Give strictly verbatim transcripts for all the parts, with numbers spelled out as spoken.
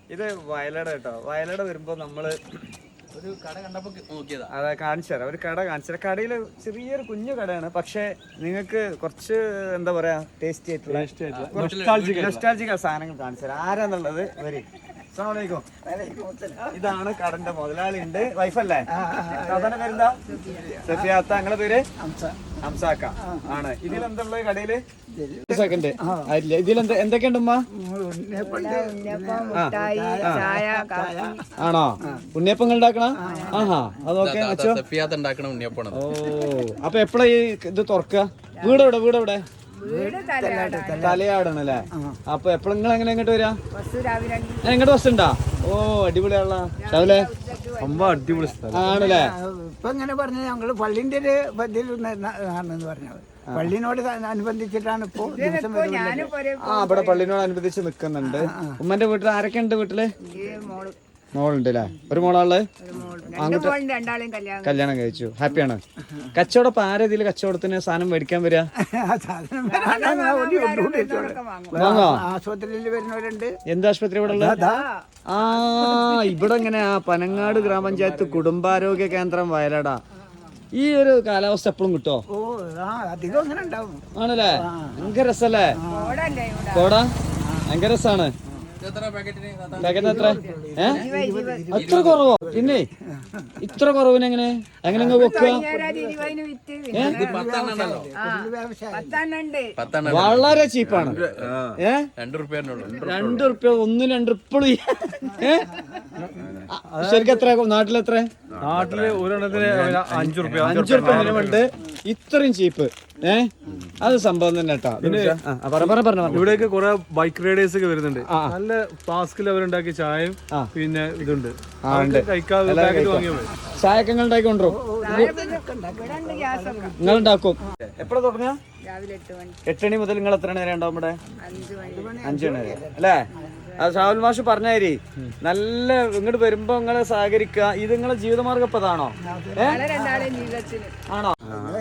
ഇത് വയലട കേട്ടോ. വയലട വരുമ്പോ നമ്മള് ഒരു കട കണ്ടപ്പോ നോക്കിയതാ. അതെ കാണിച്ചു തരാം. ഒരു കട കാണിച്ചു തരാം. കടയില് ചെറിയൊരു കുഞ്ഞു കടയാണ്, പക്ഷെ നിങ്ങൾക്ക് കുറച്ച് എന്താ പറയാ ടേസ്റ്റി ആയിട്ടുള്ള നൊസ്റ്റാൾജിക് സാധനങ്ങൾ കാണിച്ചു തരാം. ആരാന്നുള്ളത് വരി. അസ്സലാമു അലൈക്കും. ഇതാണ് കടന്റെ മുതലാളി ഉണ്ട്. വൈഫല്ലേ? സാധാരണ പേരെന്താ? സഫിയാത്ത. നിങ്ങളെ പേര്? ഹംസാക്ക ആണ്. ഇതിലെന്തുള്ളത് കടയില്? സെക്കൻഡ് ആയില്ല. ഇതിലെന്താ എന്തൊക്കെയുണ്ട് ഉമ്മ? ആണോ ഉണ്ണിയപ്പം ഉണ്ടാക്കണ? ആഹാ അതൊക്കെ ഓ അപ്പൊ എപ്പോഴാ ഈ ഇത് തുറക്കുക? വീടെവിടെ? വീടെവിടെ? തലയാടണല്ലേ? അപ്പൊ എപ്പോഴും നിങ്ങൾ എങ്ങനെ ഇങ്ങോട്ട് വരാ? എങ്ങോട്ട് ബസ് ഉണ്ടാ? ഓ അടിപൊളിയാണല്ലോ രാവിലെ. അമ്മ അടിപൊളി ആണല്ലേ? ഇപ്പൊ ഇങ്ങനെ പറഞ്ഞ ഞങ്ങള് പള്ളിന്റെ ഒരു ഇതിൽ പറഞ്ഞത് പള്ളിനോട് അനുബന്ധിച്ചിട്ടാണ് ഇപ്പൊ ദിവസം ആ ഇവിടെ പള്ളിനോട് അനുബന്ധിച്ച് നിക്കുന്നുണ്ട്. ഉമ്മന്റെ വീട്ടിൽ ആരൊക്കെ ഉണ്ട്? വീട്ടില് മോളുണ്ട് അല്ലേ? ഒരു മോളാള് കല്യാണം കഴിച്ചു. ഹാപ്പിയാണ്. കച്ചവടം ഇപ്പൊ ആരാ ഇതില് കച്ചവടത്തിന് സാധനം മേടിക്കാൻ വരിക? വാങ്ങോ? ആശുപത്രിയിൽ വരുന്നവരുണ്ട്. എന്ത് ആശുപത്രി ഇവിടെ ഉള്ളത്? ആ ഇവിടെ എങ്ങനെ ആ പനങ്ങാട് ഗ്രാമപഞ്ചായത്ത് കുടുംബാരോഗ്യ കേന്ദ്രം വയലട. ഈ ഒരു കാലാവസ്ഥ എപ്പോഴും കിട്ടോ? ഓ അധികം അങ്ങനെ ഉണ്ടാവും. ആണല്ലേ? ഭയങ്കര രസല്ലേ കോട? ഭയങ്കര രസാണ്. പാക്കറ്റിന് എത്ര? ഏഹ് അത്ര കുറവോ? പിന്നെ ഇത്ര കുറവിന് എങ്ങനെ എങ്ങനെ വെക്കുക? വളരെ ചീപ്പാണ്. ഏഹ് രണ്ട് റുപ്യ ഒന്നും രണ്ട് റുപ്യ. ഏഹ് ശരിക്കും എത്ര? നാട്ടിലെത്ര? നാട്ടില് ഒരെണ്ണത്തിന് അഞ്ചു റുപ്യ അഞ്ചു റുപ്യ മിനിമം ഉണ്ട്. ഇത്രയും ചീപ്പ്. ഏഹ് അത് സംഭവം തന്നെ കേട്ടോ. ഇവിടേക്ക് കുറെ ബൈക്ക് റൈഡേഴ്സ് ഒക്കെ വരുന്നുണ്ട്. നല്ല ഫ്ലാസ്കിൽ അവരുണ്ടാക്കിയ ചായയും പിന്നെ ഇതുണ്ട്. കഴിക്കാതെ വാങ്ങിയാൽ മതി. ചായക്കെ നിങ്ങൾ ഉണ്ടാക്കി കൊണ്ടുവരും? നിങ്ങൾ ഉണ്ടാക്കും? എപ്പോഴാ തുടങ്ങുക? എട്ട് മണി മുതൽ നിങ്ങൾ എത്ര മണി വരെ ഉണ്ടാവും ഇവിടെ? അഞ്ചു മണി വരെ അല്ലേ? അത് ഷാവുൽ മാഷ് പറഞ്ഞാരി നല്ല ഇങ്ങോട്ട് വരുമ്പോ നിങ്ങള് സഹകരിക്കുക. ഇത് നിങ്ങളെ ജീവിതമാർഗം ഇപ്പൊ അതാണോ? ആണോ?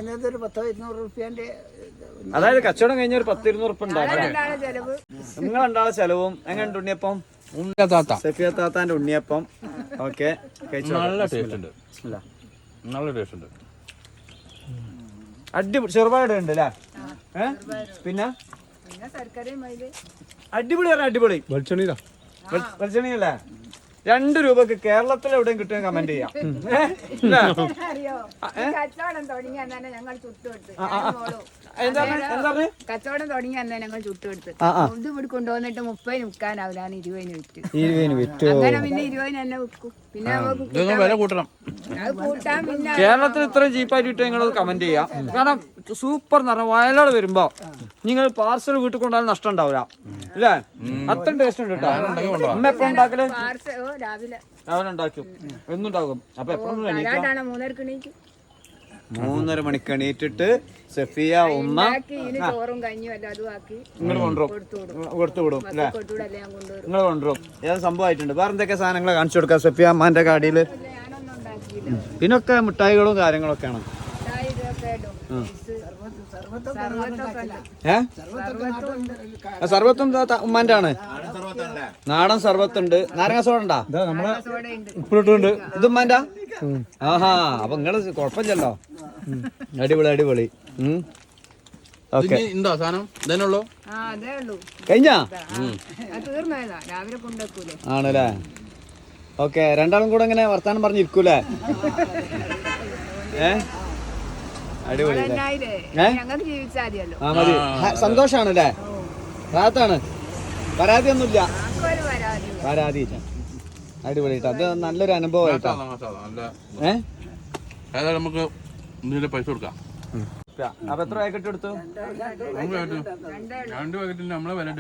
അതായത് കച്ചവടം കഴിഞ്ഞ ഒരു പത്ത് ഇരുന്നൂറ് ഉറുപ്പ ഉണ്ടാക്കാം. നിങ്ങൾ രണ്ടാളെ ചെലവും എങ്ങനെ? ഉണ്ണിയപ്പം സഫിയ താത്താന്റെ ഉണ്ണിയപ്പം. ഓക്കെ നല്ല ടേസ്റ്റ് ഉണ്ട്. നല്ല ടേസ്റ്റ് ഉണ്ട്. അടിപൊളി. ചെറുപാട് ഉണ്ട് അല്ലേ? ഏഹ് പിന്നെ അടിപൊളി പറഞ്ഞ അടിപൊളി. വെളിച്ചെണ്ണീരാ വെളിച്ചെണ്ണയല്ലേ? രണ്ട് രൂപക്ക് കേരളത്തിൽ എവിടെയും കിട്ടും കമന്റ് ചെയ്യാം. കച്ചവടം തുടങ്ങി അന്ന് ഞങ്ങൾ ചുട്ടുകൊടുത്ത് ഇത് ഇവിടെ കൊണ്ടുവന്നിട്ട് മുപ്പതിന് വിൽക്കാനാവില്ലാണ് ഇരുപതിന് വിറ്റ്. ഇരുപതിന് വിറ്റു. അങ്ങനെ പിന്നെ ഇരുപതിന് തന്നെ വിൽക്കും. പിന്നെ വില കൂട്ടണം. അത് കൂട്ടാൻ പിന്നെ കേരളത്തിൽ ഇത്രയും ചീപ്പായിട്ട് കിട്ടും നിങ്ങൾ കമന്റ് ചെയ്യാം. കാരണം സൂപ്പർ എന്ന് പറഞ്ഞാൽ വയനാട് വരുമ്പോ നിങ്ങൾ പാർസൽ വീട്ടിൽ കൊണ്ടാലും നഷ്ടം ഉണ്ടാവില്ല അല്ലേ? അത്രയും ടേസ്റ്റ് ഉണ്ട് കേട്ടോ. അമ്മ എപ്പോഴും ഉണ്ടാക്കല്? രാവിലെ രാവിലെ ഉണ്ടാക്കും. എന്നുണ്ടാകും. അപ്പൊ എപ്പോഴും മൂന്നരക്ക് എണീക്കും. മൂന്നര മണിക്ക് എണീറ്റിട്ട് സഫിയ ഉമ്മ ചോറും കഞ്ഞിയും എല്ലാം അതും ആക്കി നിങ്ങൾ കൊണ്ടുവരും, കൊടുത്തു വിടും അല്ലേ? നിങ്ങൾ കൊണ്ടുവരും. ഏത് സംഭവമായിട്ടുണ്ട്. വേറെ എന്തൊക്കെ സാധനങ്ങൾ കാണിച്ചു കൊടുക്കാം സഫിയ അമ്മാന്റെ കാടിയില്? ഇതിനൊക്കെ മിഠായികളും കാര്യങ്ങളൊക്കെയാണ്. ഏ സർവത്തും ഉമ്മാന്റെ ആണ്. നാടൻ സർവത്തുണ്ട്. നാരങ്ങ സോഡ ഉണ്ടാ? ഉപ്പിട്ടുണ്ട്. ഇത് ഉമ്മാന്റെ? ആഹാ അപ്പൊ നിങ്ങള് കുഴപ്പമില്ലല്ലോ. അടിപൊളി അടിപൊളി. ഓക്കെ കഴിഞ്ഞാ ആണല്ലേ? ഓക്കെ രണ്ടാളും കൂടെ ഇങ്ങനെ വർത്താനം പറഞ്ഞിരിക്കൂലേ? ഏ അടിപൊളി. ആ മതി. സന്തോഷാണല്ലേ? റാത്താണ്. പരാതിയൊന്നുമില്ല. പരാതി അടിപൊളിയായിട്ട്. അത് നല്ലൊരു അനുഭവമായിട്ടാ. ഏതായാലും നമുക്ക് പൈസ കൊടുക്കാം. അപ്പൊ എത്ര പാക്കറ്റ് എടുത്തു? രണ്ട് പാക്കറ്റിന് നമ്മളെ വില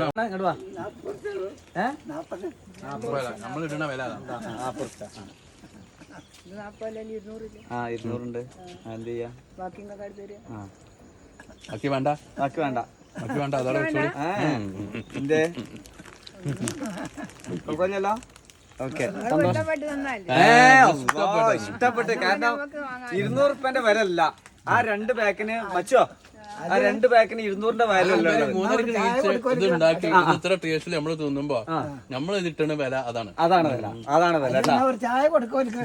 നമ്മൾ ഇടുന്ന വില ആ ഇരുന്നൂറുണ്ട്. എന്ത് ചെയ്യാ? ബാക്കി വേണ്ട. ബാക്കി വേണ്ട. ബാക്കി വേണ്ട. അതോടെ എന്തേ കുഴപ്പമില്ലല്ലോ? ഓക്കെ ഇഷ്ടപ്പെട്ട്. കാരണം ഇരുന്നൂറ് റുപ്യന്റെ വില അല്ല. ആ രണ്ട് പാക്കിന് മച്ചോ ആ രണ്ട് പാക്കിന് ഇരുന്നൂറിന്റെ വാല്യൂ മൂന്നരക്ക് നീച്ച് ഇത് ഉണ്ടാക്കി ഇത് ഇത്ര ടേസ്റ്റിൽ നമ്മൾ തിന്നുമ്പോ നമ്മൾ ഇതിട്ടുന്ന വില അതാണ് അതാണ് വില അതാണ് വില കേട്ടോ. ഒരു ചായ കൊടുക്കും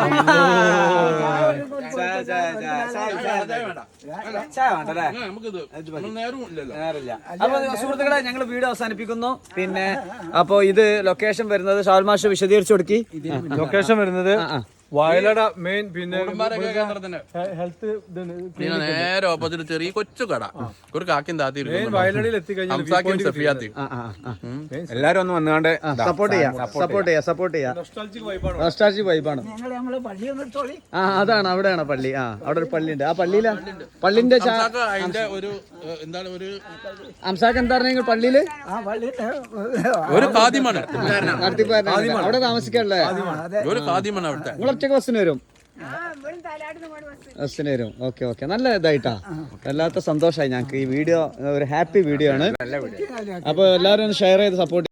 ചായ ചായ ചായ ചായ ചായ വേണ്ടല്ലേ? നമുക്കിത് നേരവും ഇല്ലല്ലോ. നേരില്ല. അപ്പൊ സുഹൃത്തുക്കളെ ഞങ്ങൾ വീഡിയോ അവസാനിപ്പിക്കുന്നു. പിന്നെ അപ്പൊ ഇത് ലൊക്കേഷൻ വരുന്നത് ഷാൽമാഷ് വിശദീകരിച്ചു കൊടുക്കി. ലൊക്കേഷൻ വരുന്നത് വയലട മെയിൻ പിന്നെ കേന്ദ്രത്തിന്റെ ഹെൽത്ത് പിന്നെ നേരെ ഓപ്പോസിറ്റ് ചെറിയ കൊച്ചു കട ഒരു കാക്കും താത്തി വയലടയിൽ എത്തിക്കഴിഞ്ഞാൽ എല്ലാരും ഒന്ന് വന്നുകൊണ്ട് സപ്പോർട്ട് ചെയ്യാം സപ്പോർട്ട് ചെയ്യാം സപ്പോർട്ട് ചെയ്യാം. നൊസ്റ്റാൾജിക് വൈബാണ്. ഞങ്ങൾ നമ്മള് പള്ളി നിർത്തോളി. ആ അതാണ് അവിടെയാണ് പള്ളി. ആ അവിടെ ഒരു പള്ളിയുണ്ട്. ആ പള്ളിയിലാ പള്ളിന്റെ അതിന്റെ ഒരു എന്താണ് ഒരു അംസാക്ക് എന്താ പറഞ്ഞ പള്ളിയില് ആ പള്ളി ഒരു കാദ്യമാണ് അവിടെ താമസിക്കാനുള്ളേ ഒരു കാദ്യമാണ് അവിടുത്തെ. നിങ്ങൾ ഒറ്റക്ക് ബസ്സിന് വരും ആ ഇവിടെ തലാടുന്ന് പോണ ബസ് ബസ്സിന് വരും. ഓക്കെ ഓക്കെ നല്ല ഇതായിട്ടാ വല്ലാത്ത സന്തോഷമായി ഞങ്ങൾക്ക് ഈ വീഡിയോ ഒരു ഹാപ്പി വീഡിയോ ആണ്. അപ്പൊ എല്ലാവരും ഷെയർ ചെയ്ത് സപ്പോർട്ട്